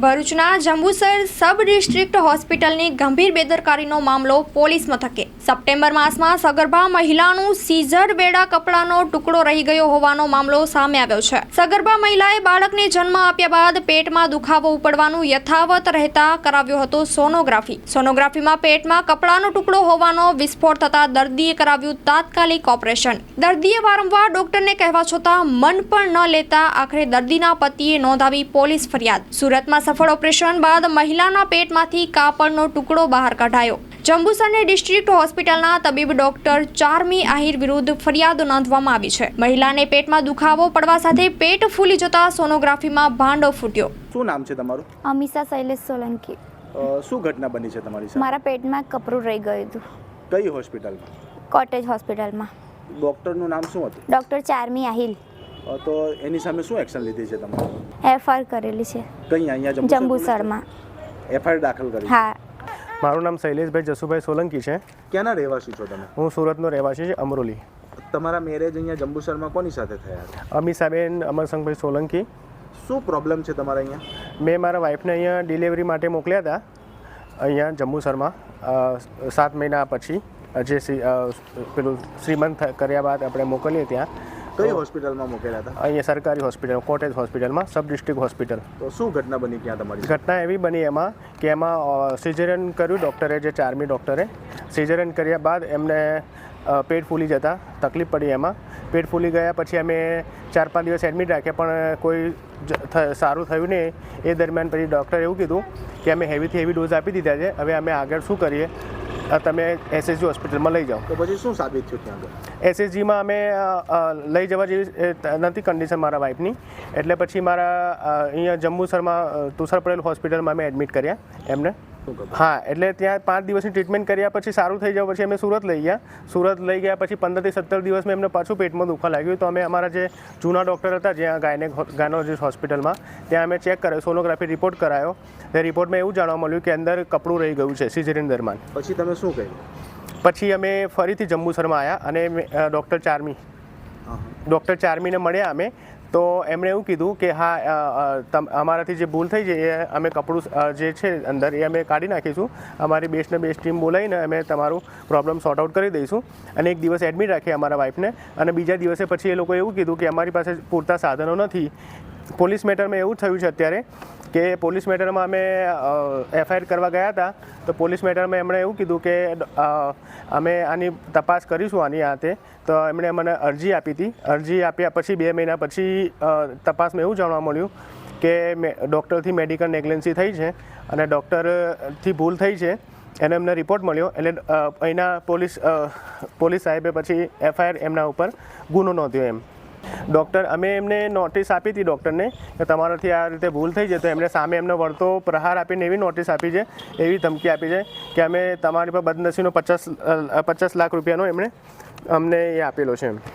ભરૂચના Jambusar sub district હોસ્પિટલની ગંભીર બેદરકારીનો મામલો પોલીસ મથકે સપ્ટેમ્બર માસમાં સગર્ભા મહિલાનું સીઝર બેડા કપડાનો ટુકડો રહી ગયો હોવાનો મામલો સામે આવ્યો છે। સગર્ભા મહિલાએ બાળકને જન્મ આપ્યા બાદ પેટમાં દુખાવો ઉપડવાનું યથાવત રહેતા કરાવ્યો હતો સોનોગ્રાફીમાં પેટમાં કપડાનો ટુકડો હોવાનો વિસ્ફોટ થતા દર્દીએ કરાવ્યું તાત્કાલિક ઓપરેશન। દર્દીએ વારંવાર ડોક્ટરને કહેવા છતાં મન પણ ન લેતા આખરે દર્દીના પતિએ નોંધાવી પોલીસ ફરિયાદ। સુરતમાં સફળ ઓપરેશન બાદ મહિલાના પેટમાંથી કાપડનો ટુકડો બહાર કઢાયો। જંબુસરની ડિસ્ટ્રિક્ટ હોસ્પિટલના તબીબ ડોક્ટર ચારમી આહિર વિરુદ્ધ ફરિયાદ નોંધવામાં આવી છે। મહિલાને પેટમાં દુખાવો પડવા સાથે પેટ ફૂલી જતા સોનોગ્રાફીમાં ભાંડો ફૂટ્યો। શું નામ છે તમારું? અમીષા શૈલેષ સોલંકી। શું ઘટના બની છે તમારી સાથે? મારા પેટમાં કપરું રહી ગયું હતું। કઈ હોસ્પિટલમાં? કોટેજ હોસ્પિટલમાં। ડોક્ટરનું નામ શું હતું? ડોક્ટર ચારમી આહિલ। તો એની સામે શું એક્શન લીધી છે તમારે? એફઆઈઆર કરેલી છે। કઈ અહીંયા જંબુસરમાં એફઆઈઆર દાખલ કરી? હા। મારું નામ શૈલેષભાઈ જસુભાઈ સોલંકી છે। ક્યાંના રહેવાસી છો તમે? હું સુરતનો રહેવાસી છે, અમરોલી। તમારા મેરેજ અહીંયા જંબુસરમાં કોની સાથે થયા હતા? અમીષાબેન અમરસંગભાઈ સોલંકી। શું પ્રોબ્લેમ છે તમારા અહીંયા? મેં મારા વાઈફને અહીંયા ડિલિવરી માટે મોકલ્યા હતા અહીંયા જંબુસરમાં 7 મહિના પછી જે પેલું શ્રીમંત કર્યા બાદ આપણે મોકલીએ ત્યાં। કઈ હોસ્પિટલમાં મોકલ્યા હતા? અહીંયા સરકારી હોસ્પિટલ કોટેજ હોસ્પિટલમાં સબ ડિસ્ટ્રિક્ટ હોસ્પિટલ। તો શું ઘટના બની ત્યાં તમારી? ઘટના એવી બની એમાં કે એમાં સિઝેરિયન કર્યું ડૉક્ટરે, જે ચારમી ડૉક્ટરે સિઝેરિયન કર્યા બાદ એમને પેટ ફૂલી જતા તકલીફ પડી। એમાં પેટ ફૂલી ગયા પછી અમે 4-5 દિવસ એડમિટ રાખ્યા પણ કોઈ સારું થયું નહીં। એ દરમિયાન પછી ડૉક્ટરે એવું કીધું કે અમે હેવીથી હેવી ડોઝ આપી દીધા છે, હવે અમે આગળ શું કરીએ, તમે એસએસજી હોસ્પિટલમાં લઈ જાઓ। તો પછી શું સાબિત થયું ત્યાં આગળ? એસએસજીમાં અમે લઈ જવા જેવી નથી કન્ડિશન મારા વાઈફની, એટલે પછી મારા અહીંયા જંબુસરમાં તુષાર પટેલ હોસ્પિટલમાં અમે એડમિટ કર્યા એમને। હા, એટલે ત્યાં 5 દિવસની ટ્રીટમેન્ટ કર્યા પછી સારું થઈ જાય પછી અમે સુરત લઈ ગયા। સુરત લઈ ગયા પછી 15 થી 17 દિવસમાં એમને પાછું પેટમાં દુખવા લાગ્યું, તો અમે અમારા જે જૂના ડૉક્ટર હતા જ્યાં ગાયનોલોજીસ્ટ હોસ્પિટલમાં ત્યાં અમે ચેક કરાયો, સોનોગ્રાફી રિપોર્ટ કરાયો। તે રિપોર્ટમાં એવું જાણવા મળ્યું કે અંદર કપડું રહી ગયું છે સિઝેરિયન દરમિયાન। પછી તમે શું કર્યું? પછી અમે ફરીથી જંબુસરમાં આવ્યા અને ડૉક્ટર ચારમીને મળ્યા અમે, તો એમણે એવું કીધું કે હા અમારાથી જે ભૂલ થઈ છે એ અમે કપડું જે છે અંદર એ અમે કાઢી નાખીશું, અમારી બેસ્ટને બેસ્ટ ટીમ બોલાવીને અમે તમારું પ્રોબ્લેમ સોર્ટ આઉટ કરી દઈશું। અને એક દિવસ એડમિટ રાખીએ અમારા વાઈફને, અને બીજા દિવસે પછી એ લોકોએ એવું કીધું કે અમારી પાસે પૂરતા સાધનો નથી। પોલીસ મેટરમાં એવું થયું છે અત્યારે કે પોલીસ મેટરમાં અમે એફઆઈઆર કરવા ગયા હતા, તો પોલીસ મેટરમાં એમણે એવું કીધું કે અમે આની તપાસ કરીશું આની હાથે, તો એમણે મને અરજી આપી હતી। અરજી આપ્યા પછી 2 મહિના પછી તપાસમાં એવું જાણવા મળ્યું કે ડૉક્ટરથી મેડિકલ નેગ્લેન્સી થઈ છે અને ડૉક્ટરથી ભૂલ થઈ છે, એનો એમને રિપોર્ટ મળ્યો। એટલે અહીંના પોલીસ સાહેબે પછી એફઆઈઆર એમના ઉપર ગુનો નોંધ્યો એમ। ડૉક્ટર અમે એમને નોટિસ આપી હતી ડૉક્ટરને કે તમારાથી આ રીતે ભૂલ થઈ છે, તો એમણે સામે એમને વળતો પ્રહાર આપીને એવી નોટિસ આપી છે, એવી ધમકી આપી છે કે અમે તમારી પર બદનસીબનો 50 લાખ રૂપિયાનો એમણે અમને એ આપેલો છે એમ।